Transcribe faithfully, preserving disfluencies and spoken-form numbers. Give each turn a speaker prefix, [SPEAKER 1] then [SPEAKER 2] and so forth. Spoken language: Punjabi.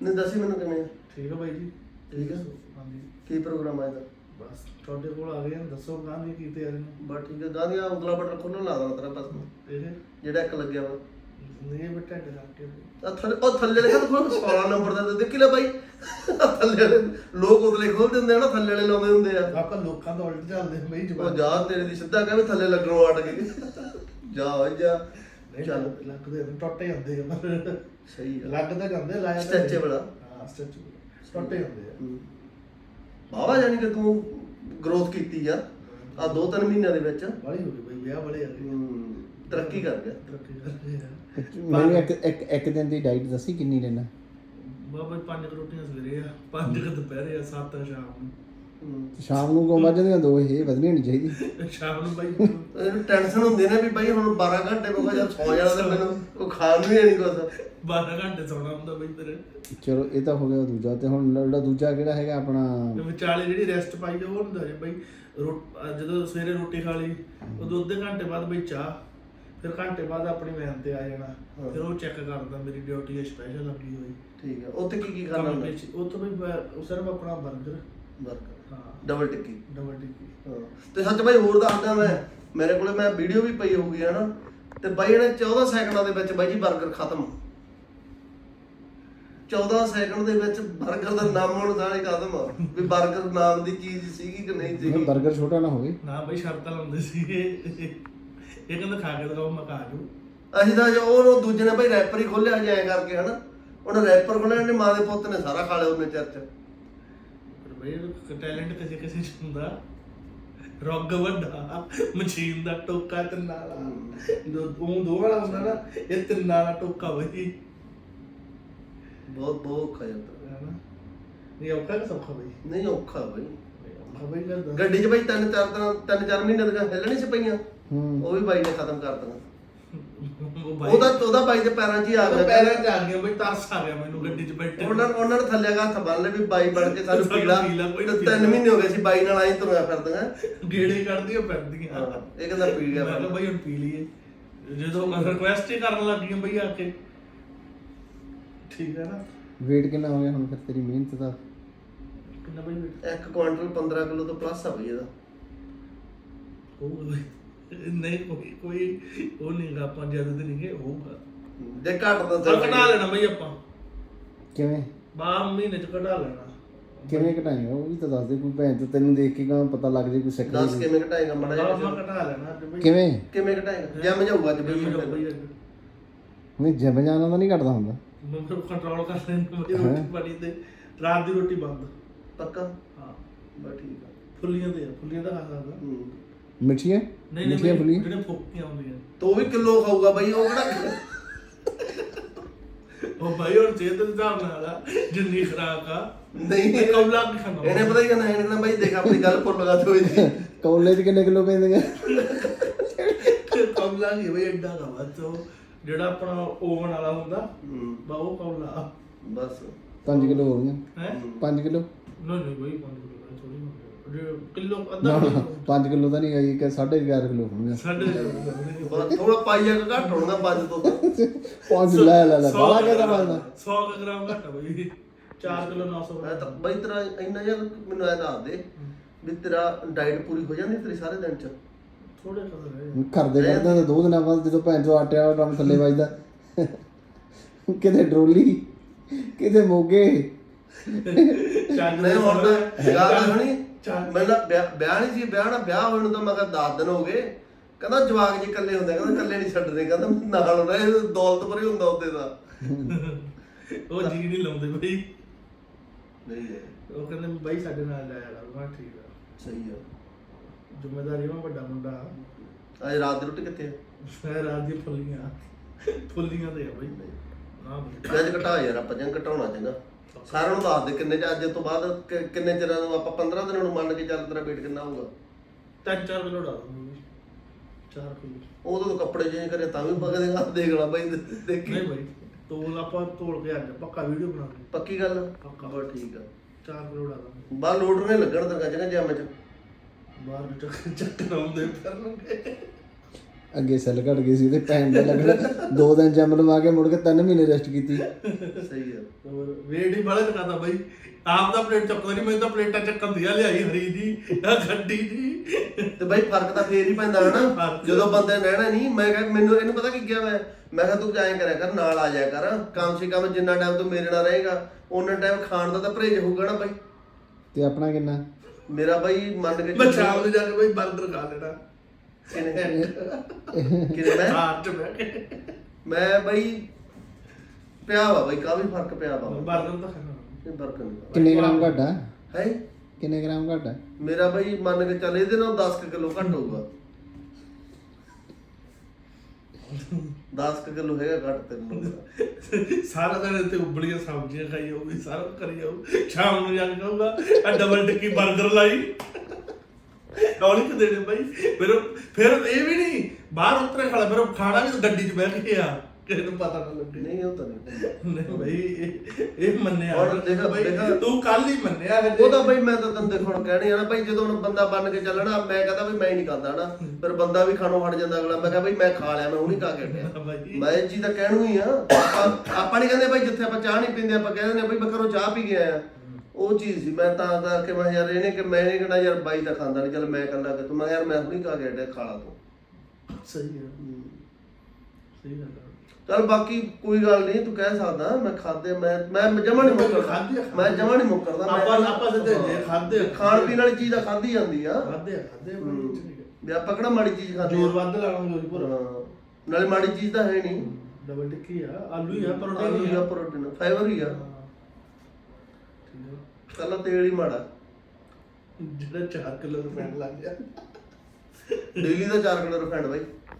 [SPEAKER 1] नहीं दसी मैनू किवें
[SPEAKER 2] ठीक है भाई जी
[SPEAKER 1] ठीक है
[SPEAKER 2] हाँ जी
[SPEAKER 1] की प्रोग्राम है
[SPEAKER 2] बस थोड़े को आ गए दसो गां दी की तैयारी
[SPEAKER 1] बस ठीक है गां दी उंगला बटन खोलण ला देना तेरा बस
[SPEAKER 2] ਇਹ
[SPEAKER 1] जेड़ा एक लग गया वा
[SPEAKER 2] ਨਹੀਂ ਬਟਾ ਢੱਡ ਕਰਕੇ
[SPEAKER 1] ਆ ਥੱਲੇ ਉਹ ਥੱਲੇ ਵਾਲੇ ਕਹਿੰਦੇ ਸੋਲਾਂ ਨੰਬਰ ਦਾ ਦੇਖੀ ਲੈ ਬਾਈ ਥੱਲੇ ਵਾਲੇ ਲੋਕ ਉਤਲੇ ਖੋਲ ਦਿੰਦੇ ਆ ਨਾ ਥੱਲੇ ਵਾਲੇ ਲਾਉਂਦੇ ਹੁੰਦੇ ਆ
[SPEAKER 2] ਆਪਾਂ ਲੋਕਾਂ ਦਾ ਉਲਟ ਚੱਲਦੇ ਬਈ
[SPEAKER 1] ਉਹ
[SPEAKER 2] ਜਵਾਨ
[SPEAKER 1] ਜਾ ਤੇਰੇ ਦੀ ਸਿੱਧਾ ਕਹੇ ਥੱਲੇ ਲੱਗਣੋਂ ਅੜ ਗਏ ਜਾ ਓਏ ਜਾ
[SPEAKER 2] ਚੱਲ ਲੱਗਦੇ ਟੁੱਟ ਜਾਂਦੇ ਆ ਪਰ
[SPEAKER 1] ਸਹੀ ਆ
[SPEAKER 2] ਲੱਗਦਾ ਜਾਂਦੇ ਲਾਇਆ
[SPEAKER 1] ਸਟ੍ਰੈਚੇਬਲ ਆ
[SPEAKER 2] ਹਾਂ ਸਟ੍ਰੈਚੇਬਲ ਟੁੱਟ ਜਾਂਦੇ ਆ
[SPEAKER 1] ਬਾਵਾ ਜਾਨੀ ਕਿ ਤੂੰ ਗਰੋਥ ਕੀਤੀ ਆ ਆ ਦੋ ਤਿੰਨ ਮਹੀਨਿਆਂ ਦੇ ਵਿੱਚ
[SPEAKER 2] ਬੜੀ ਹੋ ਗਈ ਬਈ ਵਿਆਹ ਬੜੇ ਆ ਗਏ
[SPEAKER 1] ਹੂੰ, ਤਰੱਕੀ ਕਰ ਗਿਆ
[SPEAKER 2] ਤਰੱਕੀ ਕਰਦੇ ਆ
[SPEAKER 3] ਮੈਨੂੰ ਇੱਕ ਇੱਕ ਇੱਕ ਦਿਨ ਦੀ ਡਾਈਟ ਦੱਸੀ ਕਿੰਨੀ ਲੈਣਾ
[SPEAKER 2] ਬਾਬਾ ਪੰਜ ਕੁ ਰੋਟੀਆਂ ਸਵੇਰੇ ਆ ਪੰਜ ਕੁ ਦੁਪਹਿਰੇ ਆ ਸੱਤ ਸ਼ਾਮ ਨੂੰ
[SPEAKER 1] ਹੂੰ।
[SPEAKER 3] ਸ਼ਾਮ ਨੂੰ ਕੋ ਵੱਜ ਜਾਂਦੀਆਂ ਦੋ ਇਹ ਵਧਣੀ ਨਹੀਂ ਚਾਹੀਦੀ
[SPEAKER 2] ਸ਼ਾਮ ਨੂੰ ਬਾਈ
[SPEAKER 1] ਇਹਨੂੰ ਟੈਨਸ਼ਨ ਹੁੰਦੀ ਨੇ ਵੀ ਬਾਈ ਹੁਣ ਬਾਰਾਂ ਘੰਟੇ ਹੋ ਗਏ ਜਦ ਸੌ ਜਾਣਾ ਤੇ ਮੈਨੂੰ ਕੋਈ ਖਾਣ ਨੂੰ ਹੀ ਨਹੀਂ ਕੁਛ
[SPEAKER 2] ਬਾਰਾਂ ਘੰਟੇ ਸੌਣਾ ਹੁੰਦਾ ਬਾਈ ਤੇਰੇ
[SPEAKER 3] ਚਲੋ ਇਹ ਤਾਂ ਹੋ ਗਿਆ ਦੂਜਾ ਤੇ ਹੁਣ ਜਿਹੜਾ ਦੂਜਾ ਕਿਹੜਾ ਹੈਗਾ ਆਪਣਾ
[SPEAKER 2] ਤੇ ਵਿਚਾਲੇ ਜਿਹੜੀ ਰੈਸਟ ਪਾਈ ਉਹ ਹੁੰਦਾ ਜੇ ਬਾਈ ਰੋ- ਅਹ ਜਦੋਂ ਸਵੇਰੇ ਰੋਟੀ ਖਾ ਲਈ ਉਦੋਂ ਅੱਧੇ ਘੰਟੇ ਬਾਅਦ ਬਈ ਚਾਹ ਫਿਰ ਘੰਟੇ ਬਾਅਦ ਆਪਣੀ ਵੈਨ ਤੇ ਆ ਜਾਣਾ ਫਿਰ ਉਹ ਚੈੱਕ ਕਰਦਾ ਮੇਰੀ ਡਿਊਟੀ ਸਪੈਸ਼ਲ ਲੱਗੀ ਹੋਈ
[SPEAKER 1] ਠੀਕ ਹੈ ਉੱਥੇ ਕੀ ਕੀ ਖਾਣਾ
[SPEAKER 2] ਕੰਮ
[SPEAKER 1] ਹੁੰਦਾ
[SPEAKER 2] ਵਿੱਚ ਉਹ ਤੋਂ ਵੀ ਬ- ਸਿਰਫ ਆਪਣਾ 버ਗਰ
[SPEAKER 1] ਬਰਗਰ
[SPEAKER 2] ਹਾਂ
[SPEAKER 1] ਡਬਲ ਟਿੱਕੀ
[SPEAKER 2] ਡਬਲ ਟਿੱਕੀ
[SPEAKER 1] ਹਾਂ ਤੇ ਸੱਚ ਬਾਈ ਹੋਰ ਦੱਸਦਾ ਮੈਂ ਮੇਰੇ ਕੋਲੇ ਮੈਂ ਵੀਡੀਓ ਵੀ ਪਈ ਹੋਊਗੀ ਹਨਾ ਤੇ ਬਾਈ ਇਹਨੇ ਚੌਦਾਂ ਸੈਕਿੰਡਾਂ ਦੇ ਵਿੱਚ ਬਾਈ ਜੀ 버ਗਰ ਖਤਮ ਚੌਦਾਂ ਸੈਕਿੰਡ ਦੇ ਵਿੱਚ 버ਗਰ ਦਾ ਨਾਮ ਅਨੁਸਾਰ ਹੀ ਖਤਮ ਆ ਵੀ 버ਗਰ ਨਾਮ ਦੀ ਚੀਜ਼ ਸੀਗੀ ਕਿ ਨਹੀਂ ਸੀਗੀ
[SPEAKER 3] 버ਗਰ ਛੋਟਾ ਨਾ ਹੋਵੇ
[SPEAKER 2] ਨਾ ਬਈ ਸ਼ਰਤਾਂ ਲਾਉਂਦੇ ਸੀ ਇਹ ਕਹਿੰਦਾ ਖਾ ਕੇ ਦਿਖਾਓ ਮੈਂ ਖਾ ਜੂ
[SPEAKER 1] ਅਸੀਂ ਤਾਂ ਜੋ ਉਹਨੂੰ ਦੂਜੇ ਨੇ ਬਾਈ ਰੈਪਰ ਹੀ ਖੋਲਿਆ ਜਾਏ ਕਰਕੇ ਹਨਾ ਉਹਨੇ ਰੈਪਰ ਖੋਲਿਆ ਇਹਨੇ ਮਾਂ ਦੇ ਪੁੱਤ ਨੇ ਸਾਰਾ ਖਾ ਲਿਆ ਉਹਨੇ ਚਰਚ
[SPEAKER 2] ਪਰ ਬਈ ਟੈਲੈਂਟ ਕਿਸੇ ਕਿਸੇ ਚ ਹੁੰਦਾ ਰੋਗ ਵੱਡਾ ਮਸ਼ੀਨ ਦਾ ਟੋਕਾ ਤੇ ਨਾਲਾ ਉਹ ਦੋ ਵਾਲਾ ਹੁੰਦਾ ਨਾ ਇਹ ਤੇ ਨਾਲਾ ਟੋਕਾ ਬਈ
[SPEAKER 1] ਬਹੁਤ ਬਹੁਤ ਔਖਾ ਜਾਂਦਾ
[SPEAKER 2] ਹੈਨਾ ਨਹੀਂ ਔਖਾ ਕਿ ਸੌਖਾ ਬਈ
[SPEAKER 1] ਨਹੀਂ ਔਖਾ ਬਾਈ
[SPEAKER 2] ਔਖਾ ਬਈ ਕਰਦਾ
[SPEAKER 1] ਗੱਡੀ 'ਚ ਬਾਈ ਤਿੰਨ ਚਾਰ ਦਿਨ ਤਿੰਨ ਚਾਰ ਮਹੀਨੇ ਦੀਆਂ ਹਿੱਲਣੀ ਸੀ ਪਈਆਂ
[SPEAKER 3] ਹੂੰ
[SPEAKER 1] ਉਹ ਵੀ ਬਾਈ ਨੇ ਖਤਮ ਕਰ ਦਿੱਤੀਆਂ
[SPEAKER 2] ਉਹ ਬਾਈ
[SPEAKER 1] ਉਹਦਾ ਉਹਦਾ ਬਾਈ ਦੇ ਪੈਰਾਂ 'ਚ ਹੀ ਆ ਗਿਆ
[SPEAKER 2] ਪੈਰਾਂ ਚ ਆ ਗਿਆ ਬਈ ਤਰਸ ਆ ਗਿਆ ਮੈਨੂੰ ਗੱਡੀ 'ਚ ਬੈਠੇ
[SPEAKER 1] ਉਹਨਾਂ ਉਹਨਾਂ ਨੇ ਥੱਲੇ ਹੱਥ ਬੰਨ ਲਏ ਵੀ ਬਾਈ ਬਣ ਕੇ ਸਾਨੂੰ
[SPEAKER 2] ਸਾਨੂੰ
[SPEAKER 1] ਪੀਲਾ
[SPEAKER 2] ਪੀਲਾ, ਕੋਈ ਨਾ
[SPEAKER 1] ਤੇ ਤਿੰਨ
[SPEAKER 2] ਪੀਲਾ।
[SPEAKER 1] ਮਹੀਨੇ ਹੋ ਗਏ ਸੀ ਬਾਈ ਨਾਲ ਆਈ ਤੁਰਿਆ ਫਿਰਦੀਆਂ
[SPEAKER 2] ਗੇੜੇ ਕੱਢਦੀਆਂ ਫਿਰਦੀਆਂ
[SPEAKER 1] ਹਾਂ, ਇਹ ਕਹਿੰਦਾ ਪੀ ਗਿਆ
[SPEAKER 2] ਮੈਂ ਕਿਹਾ ਬਈ ਹੁਣ ਪੀ ਲਈਏ ਜਦੋਂ ਰਿਕੁਐਸਟ ਹੀ ਕਰਨ ਲੱਗ ਗਈਆਂ ਬਈ ਆ ਕੇ ਠੀਕ ਹੈ ਨਾ
[SPEAKER 3] weight ਕਿੰਨਾ ਹੋ ਗਿਆ ਹੁਣ ਫਿਰ ਤੇਰੀ ਮਿਹਨਤ ਦਾ
[SPEAKER 2] ਕਿੰਨਾ ਬਈ weight?
[SPEAKER 1] ਇੱਕ ਕੁਆਂਟਲ ਪੰਦਰਾਂ ਕਿਲੋ ਤੋਂ ਪਲੱਸ ਆ ਬਈ ਇਹਦਾ
[SPEAKER 2] ਹੋਊਗਾ ਬਈ ਨਹੀਂ ਕੋਈ ਕੋਈ ਉਹ ਨਹੀਂ ਗਾ ਆਪਾਂ ਜਦ ਤੇ ਨਹੀਂ ਗਏ ਹੋਊਗਾ
[SPEAKER 1] ਜੇ ਘੱਟ ਦਾ
[SPEAKER 2] ਤਾਂ ਕਢਾ ਲੈਣਾ ਬਈ ਆਪਾਂ
[SPEAKER 3] ਕਿਵੇਂ
[SPEAKER 2] ਬਾਰਾਂ ਮਹੀਨੇ ਚ ਕਢਾ ਲੈਣਾ
[SPEAKER 3] ਕਿਵੇਂ ਘਟਾਏਗਾ ਉਹ ਵੀ ਤਾਂ ਦੱਸ ਦੇ ਕੋਈ ਭੈਣ ਤੇ ਤੈਨੂੰ ਦੇਖ ਕੇ ਕਾਂ ਪਤਾ ਲੱਗ ਜੇ ਕੋਈ ਸਿੱਖ
[SPEAKER 1] ਦੱਸ
[SPEAKER 3] ਲਈ
[SPEAKER 1] ਕਿਵੇਂ ਘਟਾਏਗਾ ਮੜਾ
[SPEAKER 2] ਬਾਰਾਂ
[SPEAKER 1] ਜਿਹਾ
[SPEAKER 2] ਮੈਂ ਕਢਾ ਲੈਣਾ ਅੱਜ ਬਈ
[SPEAKER 3] ਕਿਵੇਂ
[SPEAKER 1] ਕਿਵੇਂ ਘਟਾਏਗਾ ਜੰਮ ਜਾਊਗਾ ਅੱਜ
[SPEAKER 2] ਬਈ
[SPEAKER 1] ਬਈ
[SPEAKER 2] ਬਈ ਅੱਜ
[SPEAKER 3] ਨਹੀਂ ਜਿਮ ਜਾਣਾ ਤਾਂ ਨਹੀਂ ਘਟਦਾ ਹੁੰਦਾ
[SPEAKER 2] ਮੈਂ ਫਿਰ ਕੰਟਰੋਲ ਕਰ ਲੈਣਾ ਬਈ ਰੋਟੀ ਪਾਣੀ ਤੇ ਰਾਤ ਦੀ ਰੋਟੀ ਬੰਦ
[SPEAKER 1] ਪੱਕਾ
[SPEAKER 2] ਹਾਂ
[SPEAKER 1] ਬਸ ਠੀਕ ਆ
[SPEAKER 2] ਫੁੱਲੀਆਂ ਦੇ ਆ, ਫੁੱਲੀਆਂ ਦਾ ਖਾ ਸਕਦਾ
[SPEAKER 1] ਹੂੰ
[SPEAKER 3] ਮਿੱਠੀਆਂ
[SPEAKER 2] ਨਹੀਂ
[SPEAKER 3] ਮਿੱਠੀਆਂ
[SPEAKER 2] ਨਹੀਂ
[SPEAKER 3] ਫੁੱਲੀਆਂ
[SPEAKER 2] ਜਿਹੜੇ ਫੋਕੀਆਂ ਹੁੰਦੀਆਂ
[SPEAKER 1] ਤੋ ਵੀ ਕਿਲੋ ਖਾਊਗਾ ਬਾਈ ਉਹ ਕਿਹੜਾ
[SPEAKER 2] ਉਹ ਭਾਈ ਹੁਣ ਸਿਹਤ ਦੇ ਹਿਸਾਬ ਨਾਲ ਆ ਜਿੰਨੀ ਖਰਾਕ ਆ
[SPEAKER 1] ਨਹੀਂ
[SPEAKER 2] ਇਹ ਕੌਲਾ ਕੀ ਖਾਣਾ
[SPEAKER 1] ਇਹਨੇ ਪਤਾ ਹੀ ਕਹਿੰਦਾ ਇਹਨੇ ਬਾਈ ਦੇਖ ਆਪਣੀ ਗੱਲ ਫੁੱਲ ਲਗਾ ਦੋ ਜੀ
[SPEAKER 3] ਕੌਲੇ 'ਚ ਕਿੰਨੇ ਕਿਲੋ ਪੈਂਦੇ
[SPEAKER 2] ਕੌਲਾ ਨਹੀਂ ਬਈ ਐਡਾ ਖਾਵਾ ਤੋ ਜਿਹੜਾ ਆਪਣਾ ਓਵਨ ਵਾਲਾ ਹੁੰਦਾ
[SPEAKER 1] ਹੂੰ
[SPEAKER 2] ਬਾ ਉਹ ਕੌਲਾ
[SPEAKER 1] ਬਸ
[SPEAKER 3] ਪੰਜ ਕਿਲੋ ਹੋ ਗਈਆਂ
[SPEAKER 2] ਹੈ
[SPEAKER 3] ਪੰਜ ਕਿਲੋ
[SPEAKER 2] ਨਹੀਂ ਨਹੀਂ ਬਈ ਪੰਜ ਕਿਲੋ ਥੋੜੀ ਹੁੰਦੀ ਕਿਲੋ
[SPEAKER 3] ਨਾ
[SPEAKER 2] ਅੱਧਾ ਕਿਲੋ
[SPEAKER 3] ਪੰਜ ਕਿਲੋ ਤਾਂ ਨਹੀਂ ਗਈ ਕਿ ਸਾਢੇ ਗਿਆਰਾਂ ਕਿਲੋ ਹੋਣਗੇ
[SPEAKER 2] ਸਾਡੇ
[SPEAKER 1] ਬਸ ਥੋੜਾ ਪਾਈਆ ਕੁ ਘੱਟ ਹੋਣਾ ਪੰਜ ਤੋਂ ਤਾਂ।
[SPEAKER 3] ਪੰਜ ਲੈ ਲੈ ਲੈ ਬਾਲਾ ਕਿਹਦਾ ਬਣਦਾ
[SPEAKER 2] ਸੌ ਕੁ ਗ੍ਰਾਮ ਘੱਟ ਆ ਬਈ ਚਾਰ ਕਿਲੋ ਨੌ ਸੌ
[SPEAKER 1] ਮੈਂ ਤਾਂ ਬਾਈ ਤੇਰਾ ਇੰਨਾ ਜਿਹਾ ਮੈਨੂੰ ਐ ਦੱਸ ਦੇ ਵੀ ਤੇਰਾ ਡਾਈਟ ਪੂਰੀ ਹੋ ਜਾਂਦੀ ਤੇਰੀ ਸਾਰੇ ਦਿਨ ਚ
[SPEAKER 2] ਥੋੜੇ ਕਦਰ ਹੈ
[SPEAKER 3] ਘਰ ਦੇ ਕਰਦੇ ਤਾਂ ਦੋ ਦਿਨਾਂ ਬਾਅਦ ਜਦੋਂ ਭੈਣ ਚੋ ਆਟੇ ਵਾਲਾ ਡਰਮ ਥੱਲੇ ਵੱਜਦਾ ਕਿਤੇ ਡਰੋਲੀ ਕਿਤੇ ਮੋਗੇ
[SPEAKER 2] ਚੱਲ
[SPEAKER 1] ਨਹੀਂ ਹੁਣ ਤਾਂ ਗੱਲ ਸੁਣੀ
[SPEAKER 2] ਚੱਲ।
[SPEAKER 1] ਮੈਂ ਨਾ ਵਿਆਹ ਵਿਆਹ ਨਹੀਂ ਸੀ ਵਿਆਹ ਨਾ ਵਿਆਹ ਹੋਣ ਨੂੰ ਤਾਂ ਮੈਂ ਕਿਹਾ ਦਸ ਦਿਨ ਹੋ ਗਏ ਕਹਿੰਦਾ ਜਵਾਕ ਜੀ ਇਕੱਲੇ ਹੁੰਦੇ ਕਹਿੰਦਾ ਇਕੱਲੇ ਨਹੀਂ ਛੱਡਦੇ ਕਹਿੰਦਾ ਨਾਲ ਰਹੇ ਦੌਲਤ ਭਰੀ ਹੁੰਦਾ ਉਹਦੇ ਦਾ
[SPEAKER 2] ਉਹ ਜੀ ਨਹੀਂ ਲਾਉਂਦੇ ਬਈ
[SPEAKER 1] ਨਹੀਂ ਹੈ
[SPEAKER 2] ਉਹ ਕਹਿੰਦੇ ਵੀ ਬਾਈ ਸਾਡੇ ਨਾਲ ਲੈ ਆ ਮੈਂ ਠੀਕ ਆ
[SPEAKER 1] ਸਹੀ ਆ
[SPEAKER 2] ਜ਼ਿੰਮੇਵਾਰੀ ਮੈਂ ਵੱਡਾ ਮੁੰਡਾ
[SPEAKER 1] ਅੱਜ ਰਾਤ ਦੀ ਰੋਟੀ ਕਿੱਥੇ ਆ
[SPEAKER 2] ਮੈਂ ਰਾਤ ਦੀ ਫੁੱਲੀਆਂ ਫੁੱਲੀਆਂ ਤੇ ਆ ਬਈ ਨਾ ਬਈ
[SPEAKER 1] ਅੱਜ ਘਟਾ ਯਾਰ ਆਪਾਂ ਜੰਗ ਘਟਾਉਣਾ ਚਾਹੀਦਾ ਸਾਰਿਆਂ ਨੂੰ ਦੱਸ ਦੇ ਕਿੰਨੇ ਚ ਅੱਜ ਤੋਂ ਬਾਅਦ ਕਿ- ਕਿੰਨੇ ਚਿਰਾਂ ਨੂੰ ਆਪਾਂ ਪੰਦਰਾਂ ਦਿਨਾਂ ਨੂੰ ਮੰਨ ਕੇ ਚੱਲ ਤੇਰਾ weight ਕਿੰਨਾ ਹੋਊਗਾ
[SPEAKER 2] ਤਿੰਨ ਚਾਰ ਕਿਲੋ ਡਾ ਦੂੰਗੀ ਚਾਰ ਕਿਲੋ
[SPEAKER 1] ਉਦੋਂ ਤੋਂ ਕੱਪੜੇ ਚੇਂਜ ਕਰੇ ਤਾਂ ਵੀ ਬਗਦੇ ਹੱਥ ਦੇਖ ਲਾ ਬਾਈ ਦੇਖੀ
[SPEAKER 2] ਨਹੀਂ ਬਈ ਤੋਲ ਆਪਾਂ ਤੋਲ ਕੇ ਅੱਜ ਪੱਕਾ ਵੀਡੀਓ ਬਣਾ ਕੇ
[SPEAKER 1] ਪੱਕੀ ਗੱਲ
[SPEAKER 2] ਪੱਕਾ।
[SPEAKER 1] ਬਸ ਠੀਕ ਆ
[SPEAKER 2] ਚਾਰ ਕਿਲੋ ਡਾ ਦਾਂਗੇ
[SPEAKER 1] ਬਾਹਰ ਲੋਡ ਨੇ ਲੱਗਣ ਤਾਂ ਜਗ੍ਹਾ ਜਿਮ ਚ
[SPEAKER 2] ਬਾਹਰ ਚੱਕ ਚੱਕ ਆਉਂਦੇ ਫਿਰਨਗੇ
[SPEAKER 3] ਅੱਗੇ ਸੈੱਲ ਘਟ ਗਈ ਸੀ ਤੇ ਭੈਣ ਦਾ ਲੱਗਣਾ ਦੋ ਦਿਨ ਜੰਮ ਲਵਾ ਕੇ ਮੁੜ ਕੇ ਤਿੰਨ ਮਹੀਨੇ ਰੈਸਟ ਕੀਤੀ।
[SPEAKER 1] ਸਹੀ ਹੈ।
[SPEAKER 2] ਹੋਰ ਵੇਟ ਹੀ ਬੜਾ ਚਕਾਦਾ ਬਾਈ, ਆਪ ਦਾ ਪਲੇਟ ਚੱਕਦਾ ਨਹੀਂ, ਮੈਨੂੰ ਤਾਂ ਪਲੇਟਾਂ ਚੱਕਣ ਦੀਆਂ ਲਿਆਈ ਹਰੀ ਦੀ ਆ ਗੱਡੀ ਦੀ।
[SPEAKER 1] ਤੇ ਬਾਈ ਫਰਕ ਤਾਂ ਫੇਰ ਹੀ ਪੈਂਦਾ ਹਨਾ ਜਦੋਂ ਬੰਦੇ ਨੇ ਰਹਿਣਾ ਨਹੀਂ। ਮੈਂ ਕਿਹਾ ਮੈਨੂੰ ਇਹਨੂੰ ਪਤਾ ਕੀ ਕਿਹਾ ਮੈਂ ਮੈਂ ਕਿਹਾ ਤੂੰ ਐਂ ਕਰਿਆ ਕਰ, ਨਾਲ ਆ ਜਾਇਆ ਕਰ, ਕਮ ਸੇ ਕਮ ਜਿੰਨਾ ਟਾਈਮ ਤੂੰ ਮੇਰੇ ਨਾਲ ਰਹੇਗਾ ਉਹਨਾਂ ਟਾਈਮ ਖਾਣ ਦਾ ਤਾਂ ਪਰਹੇਜ ਹੋਊਗਾ ਨਾ ਬਾਈ।
[SPEAKER 3] ਤੇ ਆਪਣਾ ਕਿੰਨਾ?
[SPEAKER 1] ਮੇਰਾ ਬਾਈ ਮੰਨ ਕੇ
[SPEAKER 2] ਮੈਂ ਸ਼ਾਮ ਨੂੰ ਜਾ ਕੇ ਬਾਈ 버ਗਰ ਖਾ ਲੈਣਾ
[SPEAKER 1] ਕਿਨੇ ਮੈਂ
[SPEAKER 2] ਹਾਂ ਤੇ ਮੈਂ
[SPEAKER 1] ਮੈਂ ਬਾਈ ਪਿਆ ਵਾ ਬਾਈ, ਕਾਫੀ ਫਰਕ ਪਿਆ ਵਾ।
[SPEAKER 2] 버ਗਰ ਤਾਂ ਖਾਣਾ
[SPEAKER 1] ਇਹ ਫਰਕ ਨਹੀਂ
[SPEAKER 3] ਕਿੰਨੇ ਗ੍ਰਾਮ ਘਟਾ?
[SPEAKER 1] ਹੈ
[SPEAKER 3] ਕਿੰਨੇ ਗ੍ਰਾਮ ਘਟਾ?
[SPEAKER 1] ਮੇਰਾ ਬਾਈ ਮੰਨ ਕੇ ਚੱਲ ਇਹਦੇ ਨਾਲ ਦਸ ਕਿਲੋ ਘੱਟ ਹੋਊਗਾ। ਦਸ ਕਿਲੋ ਹੈਗਾ ਘੱਟ ਤੈਨੂੰ।
[SPEAKER 2] ਸਾਰਾ ਦਿਨ ਇੱਥੇ ਉਬਲੀਆਂ ਸਬਜ਼ੀਆਂ ਖਾਈ ਜਾਊਗੀ, ਸਾਰਾ ਕੁਝ ਕਰੀ ਜਾਊ, ਸ਼ਾਮ ਨੂੰ ਜਾ ਕੇ ਕਹੂਗਾ ਆ ਡਬਲ ਟਿੱਕੀ 버ਗਰ ਲਾਈ ਡੌਲੀ ਕਿ ਦੇਣੇ ਬਾਈ। ਫਿਰ ਫਿਰ ਇਹ ਵੀ ਨਹੀਂ ਬਾਹਰ ਉਤਰੇ ਖਾਲਾ, ਫਿਰ ਖਾਣਾ ਵੀ ਗੱਡੀ 'ਚ ਬਹਿ ਕੇ ਆ, ਕਿਸੇ ਨੂੰ ਪਤਾ ਨਾ ਲੱਗੇ।
[SPEAKER 1] ਨਹੀਂ ਉਹ ਤਾਂ ਨਹੀਂ
[SPEAKER 2] ਨਹੀਂ ਬਾਈ ਇਹ ਇਹ ਮੰਨਿਆ
[SPEAKER 1] ਹੁਣ ਦੇਖ
[SPEAKER 2] ਬਾਈ,
[SPEAKER 1] ਦੇਖ
[SPEAKER 2] ਤੂੰ ਕੱਲ ਹੀ ਮੰਨਿਆ ਹੈ
[SPEAKER 1] ਉਹ ਤਾਂ ਬਾਈ ਮੈਂ ਤਾਂ ਤੈਨੂੰ ਦੇਖੋ ਹੁਣ ਕਹਿਣੀ ਆ ਨਾ ਬਾਈ, ਜਦੋਂ ਹੁਣ ਬੰਦਾ ਬਣ ਕੇ ਚੱਲਣਾ ਮੈਂ ਕਹਦਾ ਵੀ ਮੈਂ ਹੀ ਨਹੀਂ ਕਰਦਾ ਨਾ, ਫਿਰ ਬੰਦਾ ਵੀ ਖਾਣੋਂ ਹਟ ਜਾਂਦਾ ਅਗਲਾ। ਮੈਂ ਕਿਹਾ ਬਾਈ ਮੈਂ ਖਾ ਲਿਆ, ਮੈਂ ਹੁਣੀ ਖਾ ਕੇ ਹਟਿਆ। ਮੈਂ ਇਹ ਚੀਜ਼ ਤਾਂ ਕਹਿਣੂ ਹੀ ਆ। ਆਪਾਂ ਆਪਾਂ ਨਹੀਂ ਕਹਿੰਦੇ ਬਾਈ ਜਿੱਥੇ ਆਪਾਂ ਚਾਹ ਨਹੀਂ ਪੀਂਦੇ ਆਪਾਂ ਕਹਿੰਦੇ ਨੇ ਬਾਈ ਮੈਂ ਘਰੋਂ ਚਾਹ ਪੀ ਕੇ ਆਇਆ, ਉਹ ਚੀਜ਼ ਸੀ। ਮੈਂ ਤਾਂ ਕਰਕੇ ਮੈਂ ਯਾਰ ਇਹਨੇ ਕਿ ਮੈਂ ਨਹੀਂ ਕਹਿਣਾ ਯਾਰ ਬਾਈ ਤਾਂ ਖਾਂਦਾ ਨਹੀਂ, ਚੱਲ ਮੈਂ ਇਕੱਲਾ ਕਿ ਤੂੰ ਮੈਂ ਯਾਰ ਮੈਂ ਹੁਣੀ ਖਾ ਕੇ ਹਟਿਆ, ਖਾ ਲਾ ਤੂੰ।
[SPEAKER 2] ਸਹੀ ਹੈ ਸਹੀ ਗੱਲ ਹੈ।
[SPEAKER 1] ਚੱਲ ਬਾਕੀ ਕੋਈ ਗੱਲ ਨਹੀਂ, ਤੂੰ ਕਹਿ ਸਕਦਾ ਮੈਂ ਖਾਦੇ, ਮੈਂ ਮੈਂ ਜਮਾ ਨਹੀਂ ਮੁੱਕਰਦਾ, ਮੈਂ ਜਮਾ ਨਹੀਂ ਮੁੱਕਰਦਾ।
[SPEAKER 2] ਆਪਾਂ ਆਪਾਂ ਸਿੱਧੇ ਜੇ ਖਾਦੇ
[SPEAKER 1] ਖਾਣ ਪੀਣ ਵਾਲੀ ਚੀਜ਼ ਤਾਂ ਖਾਧੀ ਜਾਂਦੀ ਆ।
[SPEAKER 2] ਖਾਦੇ ਖਾਦੇ
[SPEAKER 1] ਵੀ ਆਪਾਂ ਕਿਹੜਾ ਮਾੜੀ ਚੀਜ਼ ਖਾਂਦੇ
[SPEAKER 2] ਜੋਰ ਵੱਧ ਲਾਣਾ ਜੋਰ ਭਰ
[SPEAKER 1] ਹਾਂ, ਨਾਲੇ ਮਾੜੀ ਚੀਜ਼ ਤਾਂ ਹੈ ਨਹੀਂ।
[SPEAKER 2] ਡਬਲ ਟਿੱਕੀ ਆ, ਆਲੂ ਹੀ ਆ,
[SPEAKER 1] ਆਲੂ
[SPEAKER 2] ਪ੍ਰੋਟੀਨ ਹੀ
[SPEAKER 1] ਜਾਂ
[SPEAKER 2] ਆ,
[SPEAKER 1] ਪ੍ਰੋਟੀਨ ਫਾਈਬਰ ਹੀ ਆ,
[SPEAKER 2] ਠੀਕ ਹੈ।
[SPEAKER 1] ਕੱਲਾ ਤੇਲ ਹੀ ਮਾੜਾ।
[SPEAKER 2] ਜਿਹੜਾ ਚਾਰ ਕਿਲੋ ਰਿਫਾਈਂਡ ਲੱਗ ਗਿਆ
[SPEAKER 1] ਡੇਲੀ ਦਾ ਚਾਰ ਕਿਲੋ ਰਿਫਾਈਂਡ ਬਾਈ।